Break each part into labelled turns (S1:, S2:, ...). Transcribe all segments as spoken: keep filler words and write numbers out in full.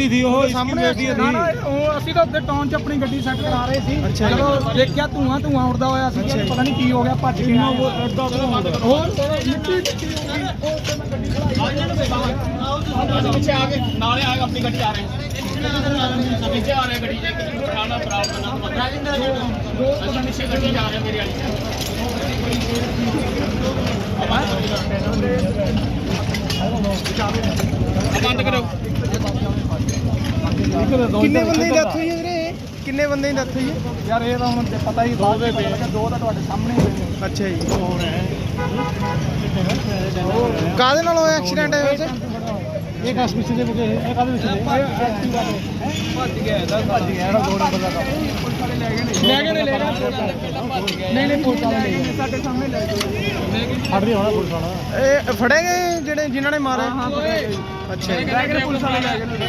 S1: ही थी वो
S2: सामने
S1: बेटी
S2: ना ना
S1: थी।
S2: ਉਹ ਅਸੀਂ ਤਾਂ ਉੱਤੇ ਟਾਊਨ 'ਚ ਆਪਣੀ ਗੱਡੀ ਸੈੱਟ ਕਰਾ ਰਹੇ ਸੀ ਜਦੋਂ ਦੇਖਿਆ ਧੂਆਂ ਧੂਆਂ ਉੱਡਦਾ ਹੋਇਆ ਸੀ ਪਤਾ ਨਹੀਂ ਕੀ ਹੋ ਗਿਆ ਭੱਜ ਕੇ ਆਏ।
S1: वो अड्डा तो
S2: ਹੋਰ ਮਿੱਟੀ ਮਿੱਟੀ ਹੋ ਗਈ ਉਹ ਉੱਤੇ ਮੈਂ ਗੱਡੀ ਖੜਾ
S3: पीछे आगे नाले आगे अपनी गड्डी आ रहे हैं पीछे आ रहे हैं गड्डी उठाना दो पीछे गड्डी जा रहे हैं मेरी बंद करो।
S2: ਕਿੰਨੇ ਬੰਦੇ ਦੀ ਡੈਥ ਹੋਈ ਹੈ ਵੀਰੇ ਕਿੰਨੇ ਬੰਦੇ ਦੀ ਡੈਥ ਹੋਈ ਹੈ ਯਾਰ ਇਹ ਤਾਂ ਹੁਣ ਤੇ ਪਤਾ ਹੀ ਦੋ ਦੇ ਪਏ ਦੋ ਤਾਂ ਤੁਹਾਡੇ ਸਾਹਮਣੇ ਹੀ ਹੋਏ। ਅੱਛਾ ਜੀ ਕਾਹਦੇ ਨਾਲ ਹੋਇਆ ਐਕਸੀਡੈਂਟ ਹੈ ਵੈਸੇ
S1: एक आस पीछे से एक आदमी पीछे
S2: ਭੱਜ ਗਿਆ ਇਹਦਾ ਭੱਜ ਗਿਆ ਇਹਦਾ ਦੋ ਨੰਬਰ ਦਾ ਲੈ ਗਏ ਨੇ ਲੈ ਗਏ ਨਹੀਂ ਨਹੀਂ ਪੁਲਿਸ ਵਾਲੇ ਲੈ ਗਏ ਸਾਡੇ ਸਾਹਮਣੇ ਲੈ ਗਏ
S1: फट रही होना पुलिस वाला
S2: ਇਹ ਫੜੇ ਗਏ ਜਿਹੜੇ ਜਿਨ੍ਹਾਂ ਨੇ ਮਾਰੇ ਅੱਛਾ ਜੀ
S3: ਲੈ ਗਏ ਪੁਲਿਸ ਵਾਲੇ ਲੈ ਗਏ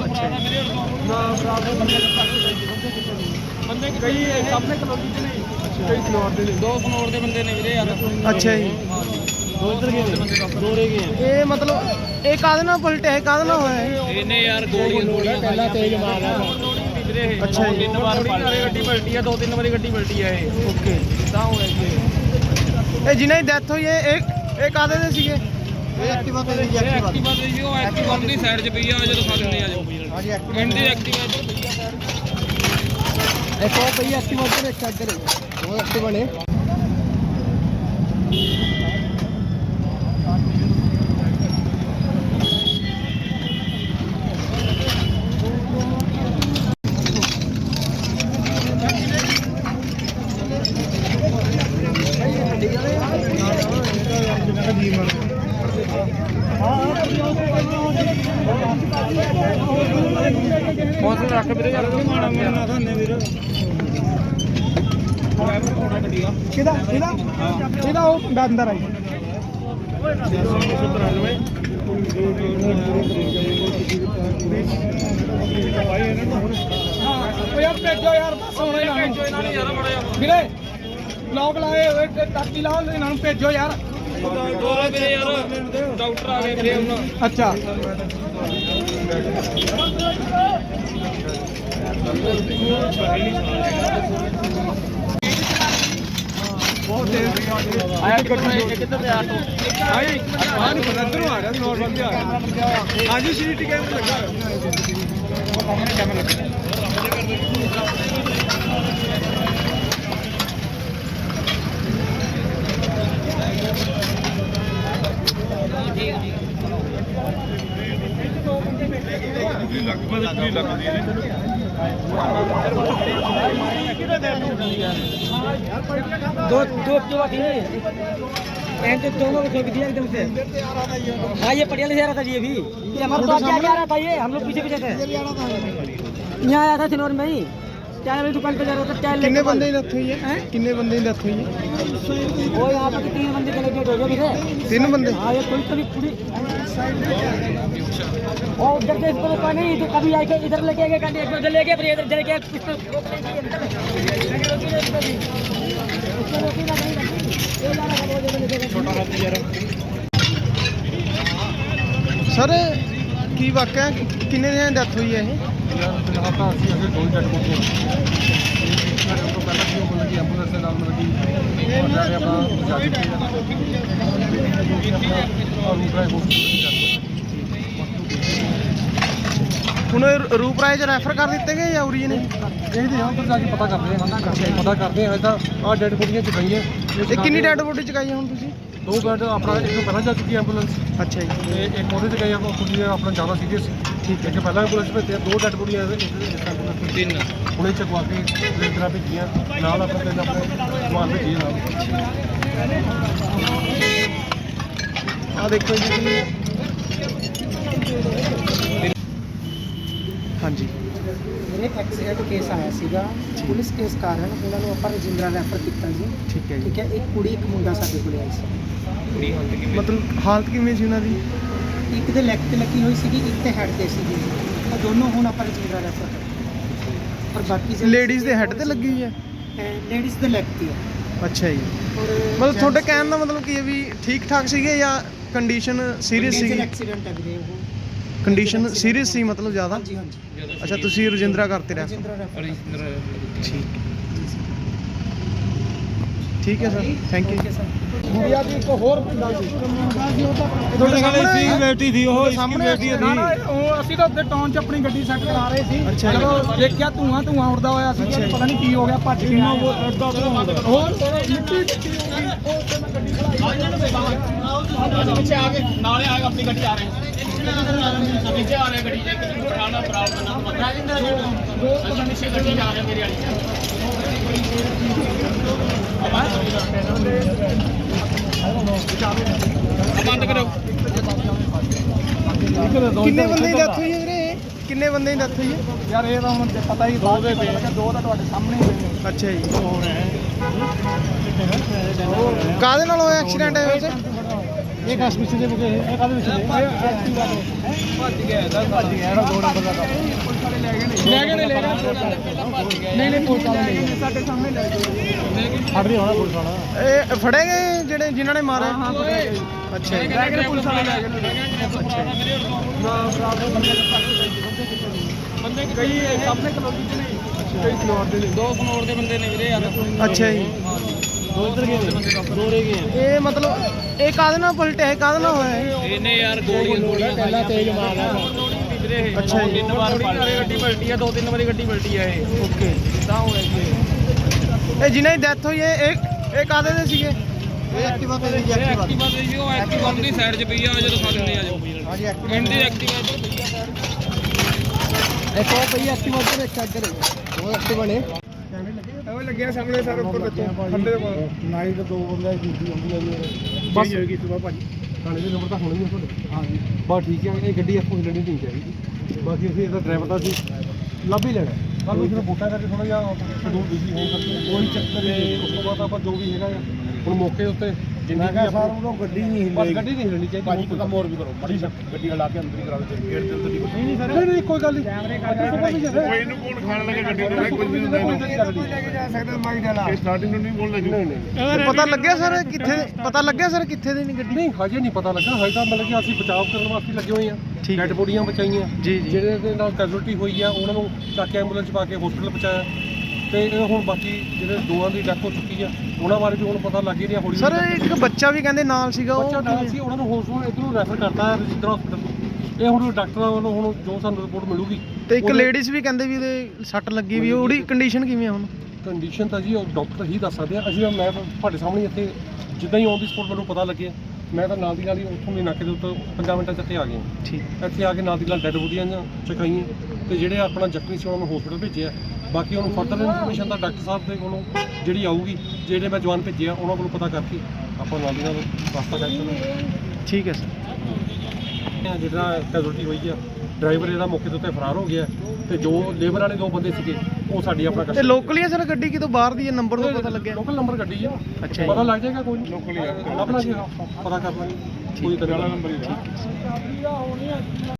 S3: ਬੰਦੇ ਕਈ ਸਾਹਮਣੇ ਕਲੋਨੀ ਚ ਨਹੀਂ ਕਈ ਫਲੋਰ ਦੇ ਦੋ ਫਲੋਰ ਦੇ ਬੰਦੇ ਨੇ ਵੀਰੇ ਯਾਰ।
S2: ਅੱਛਾ ਜੀ
S1: दो इधर गए दो रह गए
S2: ਇਹ ਮਤਲਬ ਇਹ ਕਾਹਦੇ ਨਾਲ ਪਲਟਿਆ ਹੈ ਕਾਹਦੇ ਨਾਲ ਹੋਇਆ ਹੈ
S3: ਇਹਨੇ ਯਾਰ ਗੋਲੀਆਂ ਗੋਲੀਆਂ
S1: पहला तेज मार है
S3: ਵੀਰੇ
S2: ਅੱਛਾ ਜੀ।
S3: ਤਿੰਨ ਵਾਰ ਗੱਡੀ ਪਲਟੀ ਆ ਦੋ ਤਿੰਨ ਵਾਰੀ ਗੱਡੀ ਪਲਟੀ ਆ ਇਹ
S2: ਓਕੇ
S3: ਤਾਂ ਹੋਇਆ ਜੀ
S2: ਇਹ ਜਿਨ੍ਹਾਂ ਦੀ ਡੈਥ ਹੋਈ ਹੈ ਇਹ ਇਹ ਕਾਹਦੇ ਦੇ ਸੀਗੇ
S1: ये एक्टिवा पे जी
S3: ਐਕਟਿਵਾ ਤੇ ਜੀ ਉਹ ਐਕਟਿਵਾ ਦੀ ਸਾਈਡ 'ਚ ਪਈ ਆ ਜਦੋਂ ਫਸਣੇ ਆ ਜੋ
S1: हां जी एक्टिवा
S3: ਐਂਡੀ ਐਕਟਿਵਾ ਇੱਧਰ ਪਈ ਆ ਸਾਈਡ
S1: एक और पे एक्टिवा उधर एक साइड करे दो एक्टिवा ने
S3: ਹੌਸਲਾ ਰੱਖ ਵੀਰੇ ਯਾਰ
S1: माड़ा माड़ा थाने वीर
S2: ਕਿਹਦਾ ਇਹਦਾ ਇਹਦਾ ਉਹ ਅੰਦਰ ਆਈ ਉਹ ਯਾਰ ਭੇਜੋ ਯਾਰ ਬਸ ਹੁਣ ਇਹਨਾਂ ਨੂੰ
S3: ਇਹਨਾਂ ਨੇ ਯਾਰ ਬੜਾ ਯਾਰ
S2: ਵੀਰੇ ਲੋਕ ਲਾਏ ਹੋਏ ਤੇ ਟਾਕੀ ਲਾਓ ਇਹਨਾਂ ਨੂੰ ਭੇਜੋ ਯਾਰ
S3: ਦੋਰੇ ਵੀਰੇ ਯਾਰ ਡਾਕਟਰ ਆ ਗਏ ਵੀਰੇ ਉਹਨਾਂ
S2: ਅੱਛਾ ਬਹੁਤ ਤੇਜ਼
S3: ਆਇਆ ਕਿੱਧਰ ਤੇ ਆਟੋ
S2: ਆਈ ਆ ਨਹੀਂ ਪਤਾ ਇੱਧਰੋਂ ਆ ਰਿਹਾ ਨੋਰਮਲ ਜਿਹਾ ਆ ਰਿਹਾ ਹਾਂਜੀ ਸੀਟੀ ਕੈਮਰਾ ਲੱਗਾ ਹੋਇਆ
S3: ਸਾਹਮਣੇ ਕੈਮਰਾ ਲੱਗਾ
S4: दो दो एक्टिवा थी एंड तो दोनों को ठोक दिया एकदम से। हाँ ये पटियाला से आ रहा था जी अभी ये हमारे पास क्या आ रहा था ये हम लोग पीछे पीछे थे यहाँ आया था सिनौर में ही चाय वाली दुकान पे जा रहा था चाय
S2: ਕਿੰਨੇ
S4: लेके
S2: ਬੰਦੇ ਦੀ ਡੈਥ ਹੋਈ ਹੈ ਕਿੰਨੇ ਬੰਦੇ ਦੀ ਡੈਥ ਹੋਈ ਹੈ
S4: वो यहाँ पर तीन बंदे चले गए हो गए थे।
S2: ਤਿੰਨ ਬੰਦੇ
S4: हाँ ये कोई कभी पूरी और उधर से इसको रोका नहीं तो कभी आके इधर लेके गए गाड़ी उधर ले गए फिर इधर चले गए पिस्टल
S3: ਛੋਟਾ ਹਾਥੀ ਯਾਰ
S2: ਸਰ ਕੀ ਵਾਕਿਆ ਕਿੰਨੇ ਦਿਨਾਂ ਦੀ ਡੈਥ ਹੋਈ ਹੈ ਇਹ
S1: यार फिलहाल तो ਅਸੀਂ ਅਗੇ ਦੋ ਜੱਟ ਕੋਲ ਸਾਡੇ ਤੋਂ ਪਹਿਲਾਂ ਕੀ ਹੋ ਗਈ ਐਂਬੂਲੈਂਸ ਦੇ ਨਾਲ ਮਤਲਬ ਕਿ ਉਹ ਜਾ ਕੇ ਆਪਣਾ ਜਾ ਕੇ ਔਰ ਦੂਸਰਾ ਹਸਪੀਟਲ
S2: ਹੁਣ ਇਹ ਰੂਪਰਾਏ ਚ ਰੈਫਰ ਕਰ ਦਿੱਤੇ ਗਏ ਜਾਂ ਉਰੀ ਨੇ
S1: ਇਹ ਦੇ ਉੱਧਰ ਜਾ ਕੇ ਪਤਾ ਕਰਦੇ ਹਾਂ ਪਤਾ ਕਰਦੇ ਹਾਂ ਇਹਦਾ ਆਹ ਡੈਡ ਬੋਡੀਆਂ ਚ ਗਈਆਂ
S2: ਇਹ ਕਿੰਨੀ ਡੈਡ ਬੋਡੀ ਚਕਾਈ ਹੁਣ ਤੁਸੀਂ
S1: ਦੋ ਬੈਡ ਆਪਣਾ ਇੱਕ ਤੋਂ ਪਹਿਲਾਂ ਜਾ ਚੁੱਕੀ ਐਂਬੂਲੈਂਸ
S2: ਅੱਛਾ ਜੀ
S1: ਤੇ ਇੱਕ ਉਹਦੇ ਤੇ ਗਈ ਆਪਾਂ ਕੁੜੀ ਆਪਣਾ ਜ਼ਿਆਦਾ ਸੀਰੀਅਸ ਠੀਕ ਹੈ ਕਿ ਪਹਿਲਾਂ ਐਂਬੂਲੈਂਸ ਭੇਜਿਆ ਦੋ ਡੈਡ ਬੋਡੀਆਂ
S3: ਤਿੰਨ
S1: ਹੁਣੇ ਚਕਵਾ ਕੇ ਰੇਂਦਰਾ ਭੇਜੀਆਂ ਨਾਲ ਆਪਣੇ ਤਿੰਨ ਆਪਣੇ ਸਮਾਨ ਭੇਜੀਏ ਨਾਲ
S2: ਆ ਦੇਖੋ ਜੀ ਹਾਂਜੀ
S4: मेरे एक्सीडेंट केस आया सीगा पुलिस केस कारण उन्होंने ਆਪਾਂ ਰਜਿੰਦਰਾ ਰੈਫਰ ਕੀਤਾ ਜੀ
S2: ਠੀਕ ਹੈ
S4: ਠੀਕ ਹੈ ਇੱਕ ਕੁੜੀ ਇੱਕ ਮੁੰਡਾ ਸਾਡੇ ਕੋਲ ਆਈ ਸੀ
S3: ਕੁੜੀ ਹੁੰਦੀ ਕਿ
S2: ਮਤਲਬ ਹਾਲਤ ਕਿਵੇਂ ਸੀ ਉਹਨਾਂ ਦੀ
S4: ਇੱਕ ਦੇ ਲੈਗ ਤੇ ਲੱਗੀ ਹੋਈ ਸੀਗੀ ਇੱਕ ਤੇ ਹੈਡ ਤੇ ਸੀਗੀ ਉਹ ਦੋਨੋਂ ਹੁਣ ਆਪਾਂ ਰਜਿੰਦਰਾ ਰੈਫਰ ਕਰਦੇ ਪਰ ਬਾਕੀ
S2: ਲੇਡੀਜ਼ ਦੇ ਹੈਡ ਤੇ ਲੱਗੀ ਹੋਈ ਹੈ
S4: ਲੇਡੀਜ਼ ਦੇ ਲੈਗ ਤੇ ਹੈ
S2: ਅੱਛਾ ਜੀ
S4: ਔਰ
S2: ਮਤਲਬ ਤੁਹਾਡੇ ਕਹਿਣ ਦਾ ਮਤਲਬ ਕੀ ਹੈ ਵੀ ਠੀਕ ਠਾਕ ਸੀਗੇ ਜਾਂ ਕੰਡੀਸ਼ਨ ਸੀਰੀਅਸ ਸੀਗੀ
S4: ਐਕਸੀਡੈਂਟ ਹੈ ਵੀਰੇ ਉਹ
S5: ਕੰਡੀਸ਼ਨ ਸੀਰੀਅਸ ਸੀ ਮਤਲਬ ਜ਼ਿਆਦਾ?
S4: ਹਾਂਜੀ ਹਾਂਜੀ
S5: ਅੱਛਾ ਤੁਸੀਂ ਰਜਿੰਦਰਾ ਕਰਤੇ ਰਹਿ
S4: ਰਜਿੰਦਰਾ ਰੈਫਰ
S5: ਠੀਕ ਠੀਕ ਹੈ ਸਰ ਥੈਂਕ ਯੂ
S1: ਗੁੜੀਆ ਦੀ ਇੱਕ ਹੋਰ ਪਿੰਡਾ ਸੀ
S5: ਤੁਹਾਡੇ ਸਾਹਮਣੇ ਸੀ
S1: ਬੇਟੀ ਸੀ ਉਹ
S5: ਸਾਹਮਣੇ ਬੇਟੀ
S1: ਨਾ ਨਾ ਉਹ ਅਸੀਂ ਤਾਂ ਉੱਤੇ ਟਾਊਨ 'ਚ ਆਪਣੀ ਗੱਡੀ ਸੈੱਟ ਕਰਾ ਰਹੇ ਸੀ
S5: ਅੱਛਾ ਜੀ।
S1: ਜਦੋਂ ਦੇਖਿਆ ਧੂਆਂ ਧੂਆਂ ਉੱਡਦਾ ਹੋਇਆ ਸੀ
S5: ਅੱਛਾ ਜੀ।
S1: ਪਤਾ ਨਹੀਂ ਕੀ ਹੋ ਗਿਆ ਭੱਜ ਕੇ ਆਏ ਹੋਰ ਹੋਰ ਮਿੱਟੀ ਮਿੱਟੀ ਹੋ ਗਈ ਉਹ ਤੇ ਮੈਂ ਗੱਡੀ ਖੜਾਈ
S3: ਪਿੱਛੇ ਆ ਕੇ ਨਾਲੇ ਆ ਕੇ ਆਪਣੀ ਗੱਡੀ ਆ ਰਹੇ हैं पीछे आ रहे हैं गड्डी जे किसी को उठाना प्रॉब्लम ना मतलब दो दो पीछे गड्डी जा रहे हैं मेरी वाली अब बंद करो
S5: ਕਿੰਨੇ ਬੰਦੇ ਦੀ ਡੈਥ ਹੋਈ ਹੈ ਵੀਰੇ ਕਿੰਨੇ ਬੰਦੇ ਦੀ ਡੈਥ ਹੋਈ ਹੈ?
S1: ਯਾਰ ਇਹ ਤਾਂ ਹੁਣ ਪਤਾ ਹੀ ਦੋ ਦੇ ਦੋ ਤਾਂ ਤੁਹਾਡੇ ਸਾਹਮਣੇ ਹੀ ਨੇ
S5: ਅੱਛਾ ਜੀ ਕਾਹਦੇ ਨਾਲ ਹੋਇਆ ਐਕਸੀਡੈਂਟ ਹੈ ਵੈਸੇ?
S1: ਇਹ ਕਸ ਪਿੱਛੇ ਦੇ ਮੁਕੇ ਇਹ ਕਾਹਦੇ ਵਿੱਚ ਭੱਜ ਗਿਆ ਇਹਦਾ ਭੱਜ ਗਿਆ ਇਹਦਾ ਦੋ ਨੰਬਰ ਦਾ ਪੁਲਿਸ ਵਾਲੇ ਲੈ ਗਏ ਨੇ ਲੈ ਗਏ ਨੇ ਲੈ ਗਏ ਨਹੀਂ ਨਹੀਂ ਪੁਲਿਸ ਵਾਲੇ ਲੈ ਗਏ ਨੇ ਸਾਡੇ ਸਾਹਮਣੇ ਲੈ ਗਏ ਫੜ ਰਹੀ ਹੋਣਾ ਪੁਲਿਸ ਵਾਲਾ
S5: ਇਹ ਫੜੇ ਗਏ ਜਿਹੜੇ ਜਿਨ੍ਹਾਂ ਨੇ ਮਾਰੇ?
S1: ਹਾਂ ਫੜੇ ਗਏ
S5: ਅੱਛਾ ਜੀ
S1: ਲੈ ਗਏ ਨੇ ਪੁਲਿਸ ਵਾਲੇ ਲੈ ਗਏ ਨੇ ਨਾ ਬਰਾਬਰ ਬੰਦੇ ਬੰਦੇ ਕਈ ਸਾਹਮਣੇ ਕਲੋਨੀ ਚ ਨੇ ਕਈ ਫਲੋਰ ਦੇ ਨੇ ਦੋ ਫਲੋਰ ਦੇ ਬੰਦੇ ਨੇ ਵੀਰੇ ਯਾਰ
S5: ਅੱਛਾ ਜੀ
S1: ਦੋ ਇੱਧਰ ਗਏ ਨੇ ਦੋ ਰਹਿ ਗਏ
S5: ਇਹ ਮਤਲਬ ਇਹ ਕਾਹਦੇ ਨਾਲ ਪਲਟਿਆ ਹੈ ਕਾਹਦੇ ਨਾਲ ਹੋਇਆ ਇਹ?
S3: ਇਹਨੇ ਯਾਰ ਗੋਲੀਆਂ ਗੋਲੀਆਂ
S1: ਪਹਿਲਾਂ ਤੇਜ਼ ਮਾਰਿਆ
S5: ਅੱਛਾ ਜੀ
S3: ਤਿੰਨ ਵਾਰ ਗੱਡੀ ਪਲਟੀ ਆ ਦੋ ਤਿੰਨ ਵਾਰੀ ਗੱਡੀ ਪਲਟੀ ਆ ਇਹ
S5: ਓਕੇ
S3: ਤਾਂ ਹੋਇਆ ਜੀ
S5: ਇਹ ਜਿਨ੍ਹਾਂ ਦੀ ਡੈਥ ਹੋਈ ਹੈ ਇਹ ਇਹ ਕਾਹਦੇ ਦੇ ਸੀਗੇ?
S1: ਇਹ ਐਕਟਿਵਾ ਤੇ ਜੀ ਐਕਟਿਵਾ
S3: ਐਕਟਿਵਾ ਤੇ ਜੀ ਉਹ ਐਕਟਿਵਾ ਦੀ ਸਾਈਡ 'ਚ ਪਈ ਆ ਜਦੋਂ ਖਾ ਲੈਂਦੇ ਆ ਜੋ
S1: ਹਾਂਜੀ ਐਕਟਿਵਾ
S3: ਇੰਡੀ ਐਕਟਿਵਾ ਇੱਧਰ ਪਈ ਆ ਸਾਈਡ
S1: ਇੱਕ ਉਹ ਪਈ ਐਕਟਿਵਾ ਉੱਧਰ ਇੱਕ ਇੱਧਰ ਉਹ ਐਕਟਿਵਾ ਨੇ ਉਹ ਲੱਗਿਆ ਸਾਹਮਣੇ ਸਰ ਉੱਪਰ ਬੱਚੇ ਥੱਲੇ ਦੇ ਕੋਲ ਨਾਈ ਦੇ ਦੋ ਬੰਦੇ ਡਿਊਟੀ ਹੁੰਦੀ ਆ ਜੀ ਬਸ ਹੋਏਗੀ ਇਸ ਵਾਰ ਭਾਜੀ ਥਾਣੇ ਦੇ ਨੰਬਰ ਤਾਂ ਹੋਣੇ ਹੀ ਆ ਤੁਹਾਡੇ ਹਾਂਜੀ ਬਸ ਠੀਕ ਹੈ ਇਹ ਗੱਡੀ ਆਪੋ ਹਿੱਲਣੀ ਨਹੀਂ ਚਾਹੀਦੀ ਬਾਕੀ ਅਸੀਂ ਇਹਦਾ ਡਰਾਈਵਰ ਦਾ ਸੀ ਲੱਭ ਹੀ ਲੈਣਾ ਪਰ ਉਹ ਜਿਹੜਾ ਵੋਟਾਂ ਕਰਕੇ ਥੋੜਾ ਜਿਹਾ ਸ਼ਡਿਊਲ ਬਿਜ਼ੀ ਹੋਣ ਕਰਕੇ ਕੋਈ ਚੱਕਰ ਨਹੀਂ ਉਸ ਤੋਂ ਬਾਅਦ ਆਪਾਂ ਜੋ ਵੀ ਹੈਗਾ ਹੁਣ ਮੌਕੇ ਉੱਤੇ ਜਿੰਨੀ ਵੀ ਆਪਾਂ ਉਹ ਗੱਡੀ ਨਹੀਂ ਹਿੱਲਣੀ ਬਸ ਗੱਡੀ ਨਹੀਂ ਹਿੱਲਣੀ ਚਾਹੀਦੀ ਭਾਜੀ ਕੋਈ ਕੰਮ ਹੋਰ ਵੀ ਕਰੋ ਬੜੀ ਗੱਡੀ ਲਾ ਕੇ ਅੰਦਰ ਹੀ ਕਰਾ ਦੇ ਗੇਟ ਦੇ ਅੰਦਰ ਹੀ ਨਹੀਂ ਨਹੀਂ ਸਰ ਨਹੀਂ ਕੋਈ ਗੱਲ ਨਹੀਂ ਕੈਮਰੇ ਕੋਈ ਇਹਨੂੰ ਕੋਣ ਖਾਣ ਲੱਗੇ ਗੱਡੀ ਨੂੰ ਕੋਈ ਨਹੀਂ ਹੁੰਦਾ ਲੈ ਕੇ ਜਾ ਸਕਦਾ ਮਾਈਕ ਵਾਲਾ ਇਹ ਸਟਾਰਟਿੰਗ ਨੂੰ ਨਹੀਂ ਬੋਲਣਾ ਜੀ ਨਹੀਂ ਨਹੀਂ
S5: ਪਤਾ ਲੱਗਿਆ ਸਰ ਕਿੱਥੇ ਪਤਾ ਲੱਗਿਆ ਸਰ ਕਿੱਥੇ ਦੀ ਨਹੀਂ ਗੱਡੀ?
S1: ਨਹੀਂ ਹਜੇ ਨਹੀਂ ਪਤਾ ਲੱਗਾ ਹਜੇ ਤਾਂ ਮਤਲਬ ਕਿ ਅਸੀਂ ਬਚਾਅ ਕਰਨ ਵਾਸਤੇ ਲੱਗੇ ਹੋਏ ਆ
S5: ਠੀਕ ਹੈ।
S1: ਡੈਡ ਬੋਡੀਆਂ ਬਚਾਈਆਂ
S5: ਜੀ ਜੀ
S1: ਜਿਹੜੇ ਦੇ ਨਾਲ ਕੈਜੂਅਲਟੀ ਹੋਈ ਆ ਉਹਨਾਂ ਨੂੰ ਚੱਕ ਕੇ ਐਂਬੂਲੈਂਸ ਪਾ ਕੇ ਹਸਪੀਟਲ ਪਹੁੰਚਾਇਆ ਤੇ ਇਹ ਹੁਣ ਬਾਕੀ ਜਿਹੜੇ ਦੋਵਾਂ ਦੀ ਡੈਥ ਹੋ ਚੁੱਕੀ ਆ ਉਹਨਾਂ ਬਾਰੇ ਵੀ ਹੁਣ ਪਤਾ ਲੱਗ ਹੀ ਰਿਹਾ ਹੌਲੀ
S5: ਸਰ ਇੱਕ ਬੱਚਾ ਵੀ ਕਹਿੰਦੇ ਨਾਲ ਸੀਗਾ
S1: ਬੱਚਾ
S5: ਉਹ
S1: ਨਾਲ ਸੀ ਉਹਨਾਂ ਨੂੰ ਹਸਪੀਟਲ ਇੱਧਰੋਂ ਰੈਫਰ ਕਰਤਾ ਹੈ ਰਜਿੰਦਰਾ ਹਸਪੀਟਲ ਇਹ ਹੁਣ ਡਾਕਟਰਾਂ ਵੱਲੋਂ ਹੁਣ ਜੋ ਸਾਨੂੰ ਰਿਪੋਰਟ ਮਿਲੂਗੀ
S5: ਤੇ ਇੱਕ
S1: ਉਹਦੇ-
S5: ਲੇਡੀਜ਼ ਵੀ ਕਹਿੰਦੇ ਵੀ ਇਹਦੇ ਸੱਟ ਲੱਗੀ ਵੀ ਉਹਦੀ ਕੰਡੀਸ਼ਨ ਕਿਵੇਂ ਆ ਹੁਣ?
S1: ਕੰਡੀਸ਼ਨ ਤਾਂ ਜੀ ਉਹ ਡਾਕਟਰ ਹੀ ਦੱਸ ਸਕਦੇ ਆ ਅਸੀਂ ਮੈਂ ਤਾਂ ਤੁਹਾਡੇ ਸਾਹਮਣੇ ਇੱਥੇ ਜਿੱਦਾਂ ਹੀ ਔਨ ਦੀ ਸਪੋਟ ਮੈਨੂੰ ਪਤਾ ਲੱਗਿਆ ਮੈਂ ਤਾਂ ਨਾਲ ਦੀ ਨਾਲ ਹੀ ਉੱਥੋਂ ਦੇ ਨਾਕੇ ਦੇ ਉੱਤੇ ਪੰਜਾਂ ਮਿੰਟਾਂ 'ਚ ਇੱਥੇ ਆ ਗਏ
S5: ਠੀਕ
S1: ਇੱਥੇ ਆ ਕੇ ਨਾਲ ਦੀ ਨਾਲ ਡੈਡ ਬੋਡੀਆਂ ਚਕਾਈਆਂ ਤੇ ਜਿਹੜੇ ਆਪਣਾ ਜ਼ਖਮੀ ਸੀ ਉਹਨਾਂ ਨੂੰ ਹਸਪੀਟਲ ਭੇਜਿਆ ਬਾਕੀ ਉਹਨੂੰ ਫਰਦਰ ਇਨਫੋਰਮੇਸ਼ਨ ਤਾਂ ਡਾਕਟਰ ਸਾਹਿਬ ਦੇ ਕੋਲੋਂ ਜਿਹੜੀ ਆਊਗੀ ਜਿਹੜੇ ਮੈਂ ਜਵਾਨ ਭੇਜੇ ਆ ਉਹਨਾਂ ਕੋਲੋਂ ਪਤਾ ਕਰਕੇ ਆਪਾਂ ਨਾਲ ਦੀ ਨਾਲ ਰਸਤਾ ਕਰ ਚੱਲਾਂਗੇ
S5: ਠੀਕ ਹੈ ਸਰ
S1: ਜਿਹੜਾ ਕੈਜੂਅਲਟੀ ਹੋਈ ਆ ਡਰਾਈਵਰ ਇਹਦਾ ਮੌਕੇ ਦੇ ਉੱਤੇ ਫਰਾਰ ਹੋ ਗਿਆ ਤੇ ਜੋ ਲੇਬਰ ਵਾਲੇ ਦੋ ਬੰਦੇ ਸੀਗੇ ਉਹ ਸਾਡੀ ਆਪਣਾ
S5: ਤੇ ਲੋਕਲੀ ਹੈ ਸਰ ਗੱਡੀ ਕਿਤੋਂ ਬਾਹਰ ਦੀ ਹੈ ਨੰਬਰ ਤੋਂ ਪਤਾ ਲੱਗਿਆ?
S1: ਲੋਕਲ ਨੰਬਰ ਗੱਡੀ ਆ
S5: ਅੱਛਾ ਜੀ।
S1: ਪਤਾ ਲੱਗ ਜਾਏਗਾ ਕੋਈ ਨਹੀਂ ਲੋਕਲ ਹੀ ਆ ਆਪਣਾ ਜੀ ਪਤਾ ਕਰ ਲਾਂਗੇ ਕੋਈ ਦਰਿਆਲਾ ਨੰਬਰ ਹੀ